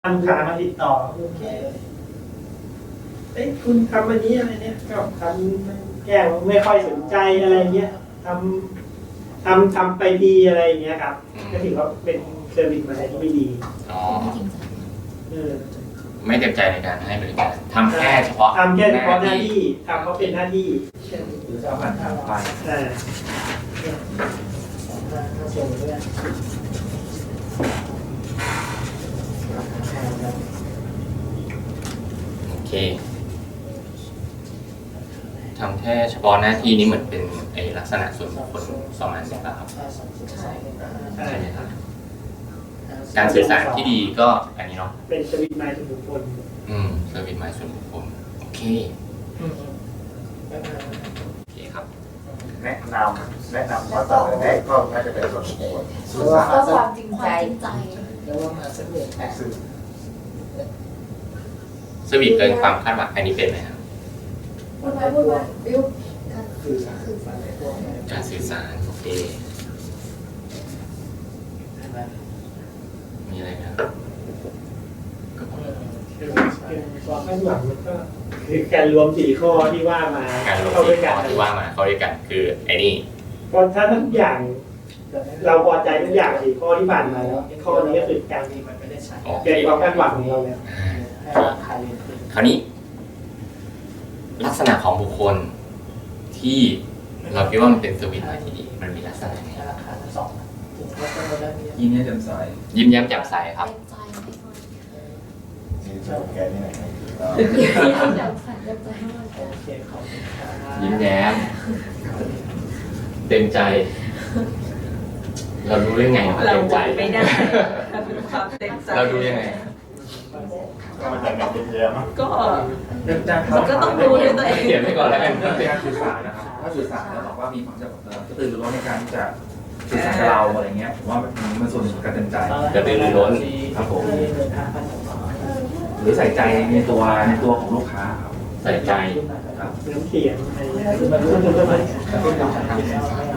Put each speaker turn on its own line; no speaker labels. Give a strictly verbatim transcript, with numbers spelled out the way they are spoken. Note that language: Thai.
ลูกค้ามาติดต่อโอเคเอ้ยคุณทำอันนี้อะไรเนี่ยก็ทำแก้ไม่ค่อยสนใจอะไรเงี้ยทำทำทำไปดีอะไรเงี้ยครับก็ถือว่าเป็นเซอร์วิสมาที่ไม่ดี
อ๋อ
เออ
ไม่เต็มใจในการให้บริการทำแค่เฉพาะ
ทำแค่เฉพาะหน้าที่ทำเขาเป็นหน้าที่
หรือจะเอาผ่านทางไป
อ่า
ส่งเรื่อง
โอเคทำแค่เฉพาะหน้าที่นี้เหมือนเป็นไอลักษณะส่วนบุคคลประมาณนี้ป่ะครับ
ใช่
ใช่ไหมครับการสื่อสารที่ดีก็อันนี้เนาะ
เป็นสวิตไมล์ส่วนบุคคล
อืมเซอร์วิสหมายส่วนบุคคลโอเคโอเคครับ
แนะนำแนะนำว่าต่อแรกก็น่าจะเป็นส่วนบุคคล
หรือว่า
เพื่อความจริงใจ
แล้วว่ามาสักหนึ่งแปด
สื่อ
เซอร์วิสเกินความคาดหวังอันนี้เป็นไหมครับ
พูดไปพูดไปบิว
สื่อสารสื่อสารในพวกนี้
การสื่อสารโอเคมีอะไรไหมครับก็พอ
คือคือความคาดหวังมันก็คือการรวมสี่ข้อที่ว่ามา
การลง
เข้า
ที่
ด้วยกั
ข้อน ที่ว่ามาเข้าด้วยกันคือไอ้นี่
เพราะถ้าทุกอย่างเราพอใจทุกอย่างสี่ข้อที่ผ่านมาแล้วข้อนี้ก็คือการ
ที่มันไม่ได้ใช้
โอเค
เกินความคาดหวังของเราเนี่ย
อ่า
ให้ราคาเรียนขึ้น
คราวนี้ ลักษณะของบุคคลที่เราคิดว่ามันเป็นสวิตช์มาที่ดีมันมีลักษณะไหน
ให้ราคาทั้งสองถึงว่าจะมาได้มี
ยิ้มแย้มแจ่มใส
ยิ้มแย้มแจ่มใสครับ
เต็มใจไม่ค่อย
นี่จะแกนี่ไหน
ยิ้มแย้มใสเต็มใจให้มัน
โอเคขอบคุณครับ
ยิ้มแย้ม เต็มใจ เรารู้ได้ไงว่า
เรา
เต็มใจ
ไม่ได้ความเต็มใจ
เราดูยังไง
ก็มาจากการเยี่ยม
ก็
เริ่มจาก
มันก็ต้องรู้ด้วยตัวเอง
เขียนไว้ก่อนแล้วกัน
เป็นการสื่อสารนะครับถ้าสื่อสารแล้วบอกว่ามีความจะกระตือรือร้นในการที่จะสื่อสารกับเราอะไรเงี้ยผมว่ามันมันส่วนหนึ่งของการเต็มใจ
กระตือรือร้น
ครับผม
เดินทางไปต่อ
หรือใส่ใจในตัวในตัวของลูกค้าครับ
ใส่ใจ
ครับ
น้ำเสียงอะไรเงี้ยคือมันรู้สึกว่ามัน
แล้วก็การทำ